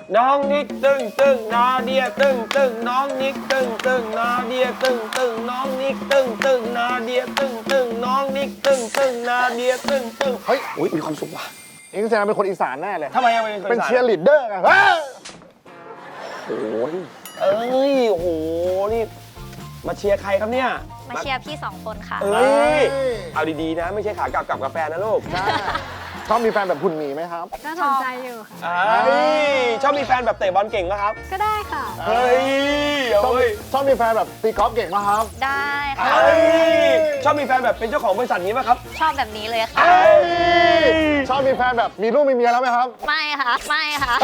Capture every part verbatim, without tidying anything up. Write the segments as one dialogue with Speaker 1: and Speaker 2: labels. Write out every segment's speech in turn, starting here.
Speaker 1: น้องนิกตึ้งตึ้งนาเดียตึ้งตึ้งน้องนิกตึ้งตึ้งนาเดียตึ้งตึ้งน้องนิกตึ้งตึ้งนาเดียตึ้งตึ้งน้องนิกตึ้งตึ้งนาเดียตึ้งตึ้งเฮ้ยอุ้ยมีความสุขว่ะ
Speaker 2: เองแสดงเป็นคนอีสานแน่เลย
Speaker 1: ทำไมเป็นคน
Speaker 2: เป็นเชียร์ลีดเดอร์ไง
Speaker 1: โอ้ยเอ้ยโอ้โหนี่มาเชียร์ใครครับเนี่ย
Speaker 3: มาเชียร์พี่สองคนค่ะ
Speaker 1: เอ้ยเอาดีๆนะไม่ใช่ขากลับกับกาแฟนะลูก
Speaker 2: ชอบมีแฟนแบบคุณหมีไหมครับ
Speaker 3: ก็สนใจอยู่ค่ะ
Speaker 1: ชอบมีแฟนแบบเตะบอลเก่งไหมครับ
Speaker 3: ก็ได้ค่ะ
Speaker 1: เฮ้ย
Speaker 2: ชอบชอบมีแฟนแบบตีกอล์ฟเก่งไหมครับ
Speaker 3: ได้ค่ะ
Speaker 1: ชอบมีแฟนแบบเป็นเจ้าของบริษัทนี้ไหมครับ
Speaker 3: ชอบแบบนี้เลยค่ะ
Speaker 2: ชอบมีแฟนแบบมีลูกมีเมียแล้วไหมครับ
Speaker 3: ไม่ค่ะไม่ค่ะ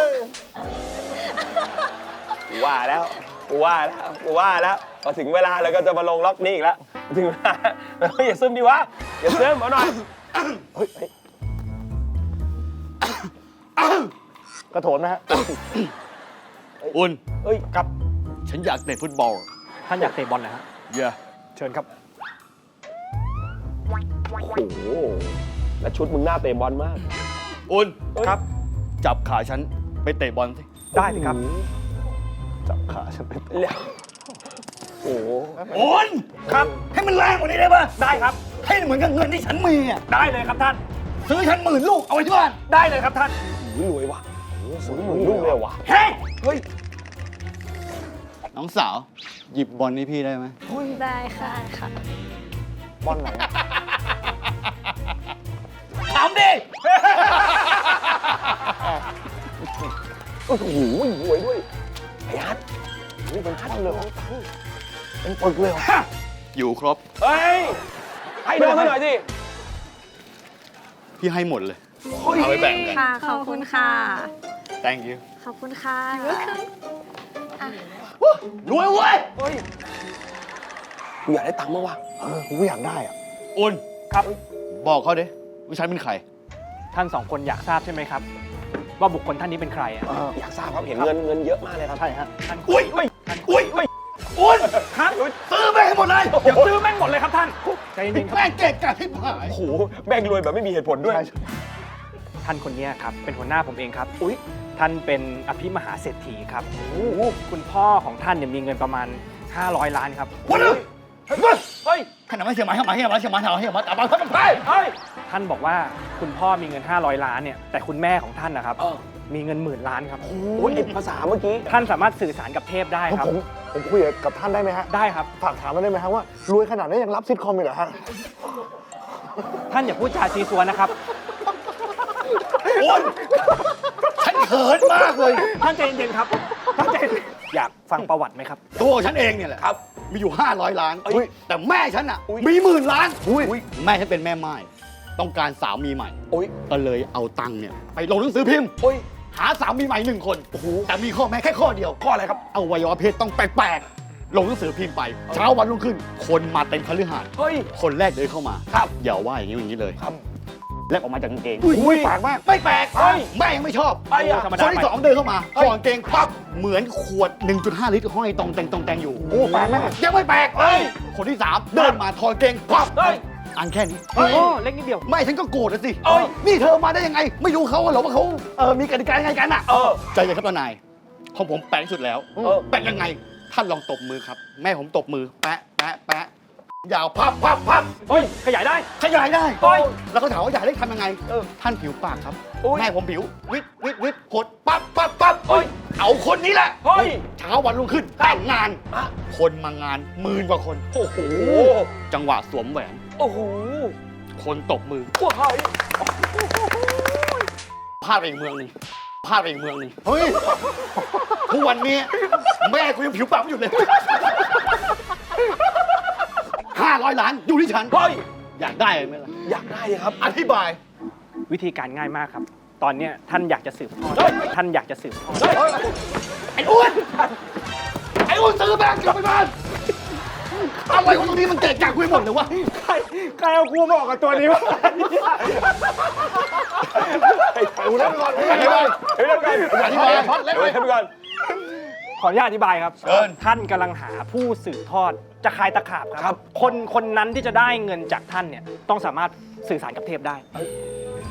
Speaker 1: ว่าแล้วว่าแล้วว่าแล้วพอถึงเวลาเราก็จะมาลงล็อกนี้อีกแล้วถึงเวลาอย่าซึมดิวะอย่าซึมเอาหน่อยเฮ้ย
Speaker 2: กระโถนไหมฮะ
Speaker 4: อุ่น
Speaker 1: เฮ้ยครับ
Speaker 4: ฉันอยากเตะฟุตบอล
Speaker 5: ท่านอยากเตะบอลนะฮะ
Speaker 4: เย่
Speaker 5: เชิญครับ
Speaker 1: โอ้โหแล้วชุดมึงหน้าเตะบอลมาก
Speaker 4: อุ่น
Speaker 1: ครับ
Speaker 4: จับขาฉันไปเตะบอลสิ
Speaker 5: ได้สิครับ
Speaker 2: จับขาฉันไป
Speaker 1: เร็วโอ้โห
Speaker 4: อุ่น
Speaker 5: ครับ
Speaker 4: ให้มันแรงกว่านี้ได้ปะ
Speaker 5: ได้ครับ
Speaker 4: ให้เหมือนกับเงินที่ฉันมีอ่ะ
Speaker 5: ได้เลยครับท่าน
Speaker 4: ซื้อฉันหมื่นลูกเอาไว้ที่บ้าน
Speaker 5: ได้เลยครับท่าน
Speaker 1: รวยว่ะซื้อหมื่นลูกเลยว่ะ
Speaker 4: เฮ้ย
Speaker 1: เฮ้ย
Speaker 4: น้องสาวหยิบบอลให้พี่ได้ไหม
Speaker 3: ได้ค่ะค่ะ
Speaker 2: บอลไหน
Speaker 4: ถามดิ
Speaker 1: โอ้โหรวยด้วยไอ้ฮัทนี่เป็นขั้นเลยของตังเป็นปึกเลย
Speaker 4: อยู่ครบ
Speaker 1: เฮ้ยให้โดนหน่อยสิ
Speaker 4: พี่ให้หมดเลยเอาไปแบ่งกัน
Speaker 3: ค่ะขอบคุณค่ะ
Speaker 4: thank you
Speaker 3: ขอบคุณค่ะ
Speaker 4: รวยเว้ย
Speaker 1: เฮ้ยกูอยากได้ตังค์มากว่ะ
Speaker 2: เออกูอยากได้อ่ะ
Speaker 4: อุ่น
Speaker 5: ครับ
Speaker 4: บอกเขาดิว่าฉันเป็นใคร
Speaker 5: ท่านสองคนอยากทราบใช่ไหมครับว่าบุคคลท่านนี้เป็นใครอ่ะ
Speaker 1: อยากทราบครับเห็นเงินเงินเยอะมากเลยครับ
Speaker 2: ใช่ฮะ
Speaker 4: อุ้ยอุ้ยอุ้ยอุ่น
Speaker 5: ครับ
Speaker 4: ซื้อแม่งให้หมดเลย
Speaker 5: เดี๋ยวซื้อแม่งหมดเลยครับท่านใจเย็นๆครับ
Speaker 4: แม่งเก่งกาจที่ผาย
Speaker 1: โอ้โหแบ่งรวยแบบไม่มีเหตุผลด้วย
Speaker 5: ท่านคนนี้ครับเป็นหัวหน้าผมเองครับอุ้ยท่านเป็นอภิมหาเศรษฐีครับคุณพ่อของท่านเนี่ยมีเงินประมาณห้าร้อยล้านครับ
Speaker 4: วันนี้
Speaker 1: เฮ้ย
Speaker 4: ขนาดไม่เชื่อมาให้มาให้มาเชื่อมาให้มาให้มาแต่บางท่านไม่
Speaker 1: เฮ้ย
Speaker 5: ท่านบอกว่าคุณพ่อมีเงินห้าร้อยล้านเนี่ยแต่คุณแม่ของท่านนะครับมีเงินหมื่นล้านครับ
Speaker 1: โอ้ยภาษาเมื่อกี้
Speaker 5: ท่านสามารถสื่อสารกับเทพได้ครับ
Speaker 2: ผมผมคุยกับท่านได้ไหมฮะ
Speaker 5: ได้ครับ
Speaker 2: ฝากถามได้ไหมฮะว่ารวยขนาดนี้ยังรับซิทคอมอยู่เหรอฮะ
Speaker 5: ท่านอย่าพูดจาซีซัวนะครับ
Speaker 4: โอ๊ยฉันเขินมากเลย
Speaker 5: ท่านใจเย็นๆครับท่านใจอยากฟังประวัติไหมครับ
Speaker 4: ตัวฉันเองเนี่ยแหละ
Speaker 1: ครับ
Speaker 4: มีอยู่ห้าร้อยล้านแต่แม่ฉันอ่ะมีหมื่นล้านแม่ฉันเป็นแม่ไม้ต้องการสามีใหม่ก็เลยเอาตังค์เนี่ยไปลงหนังสือพิมพ์หาสามีใหม่หนึ่งคนแต่มีข้อแม้แค่ข้อเดียว
Speaker 1: ข้ออะไรครับ
Speaker 4: อวัยวะเพศต้องแปลกๆลงหนังสือพิมพ์ไปเช้าวันรุ่งขึ้นคนมาเต็มคฤหาสน์คนแรกเดินเข้ามา
Speaker 1: ครับ
Speaker 4: อย่าว่าอย่างนี้อย่างนี้เลย
Speaker 1: ครับ
Speaker 4: แลบออกมาจากกางเกง
Speaker 1: อุ้ยแปลกมาก
Speaker 4: ไม่แปลกแม่ยังไม่ชอบคนที่สองเดินเข้ามาถอดกางเกงปั๊บเหมือนขวด หนึ่งจุดห้า ลิตรห้อยตรงแตงตรงแตงอยู่
Speaker 2: โอ้แปลกมาก
Speaker 4: ยังไม่แปลกคนที่สามเดินมาถอดกางเกงปั๊บอันแค่นี้
Speaker 5: โอ้เล็กนิดเดียว
Speaker 4: ไม่ฉันก็โกรธนะสินี่เธอมาได้ยังไงไม่รู้เขาเหรอว่าเขาเออมีกติกายังไงกันอ่ะใจเย็นครับทนายของผมแปลกสุดแล้วแปลกยังไงท่านลองตบมือครับแม่ผมตบมือแปะแปะแปะยาวพับพับพับ
Speaker 5: เฮ้ยขยายได้
Speaker 4: ขยายได้เฮ้ยแล้วเขาถามว่าอยากได้ทำยังไงท่านผิวปากครับแม่ผมผิววิดวิดวิดหดปั๊บปั๊บปั๊บเฮ้ยเอาคนนี้แหละ
Speaker 1: เฮ้ย
Speaker 4: เช้าวันรุ่งขึ้นแต่งงานคนมางานหมื่นกว่าคน
Speaker 1: โอ้โห
Speaker 4: จังหวะสวมแหวน
Speaker 1: โอ้โห
Speaker 4: คนตบมือ
Speaker 1: ว้าว
Speaker 4: พลาดไปอีกเมืองหนึ่งพลาดไปอีกเมืองหนึ่งเฮ้ยทุกวันนี้แม่กูยังผิวปากไม่หยุดเลยห้าร้อยล้านอยู่ที่ฉัน
Speaker 1: เฮ้ย
Speaker 4: อยากได้ไหมล่ะ
Speaker 1: อยากได้ครับ
Speaker 4: อธิบาย
Speaker 5: วิธีการง่ายมากครับตอนนี้ท่านอยากจะสืบทอดท่านอยากจะสืบทอด
Speaker 4: ไอ้อ้วนไอ้อ้วนซื้อแบงค์กลับไปบ้านอะไรของตรงนี้มันเกะกะกูหมดเลยวะ
Speaker 5: ใครใครเอากูมาออกกับตัวนี้วะ
Speaker 2: ดูเล่นก่อน
Speaker 1: อธิบายเล่นก่อนอธิบายเล่นก่อน
Speaker 5: ขออนุญาตอธิบายครับท่านกำลังหาผู้สืบทอดจะคายตะขาบครับคนคนนั้นที่จะได้เงินจากท่านเนี่ยต้องสามารถสื่อสารกับเทพได้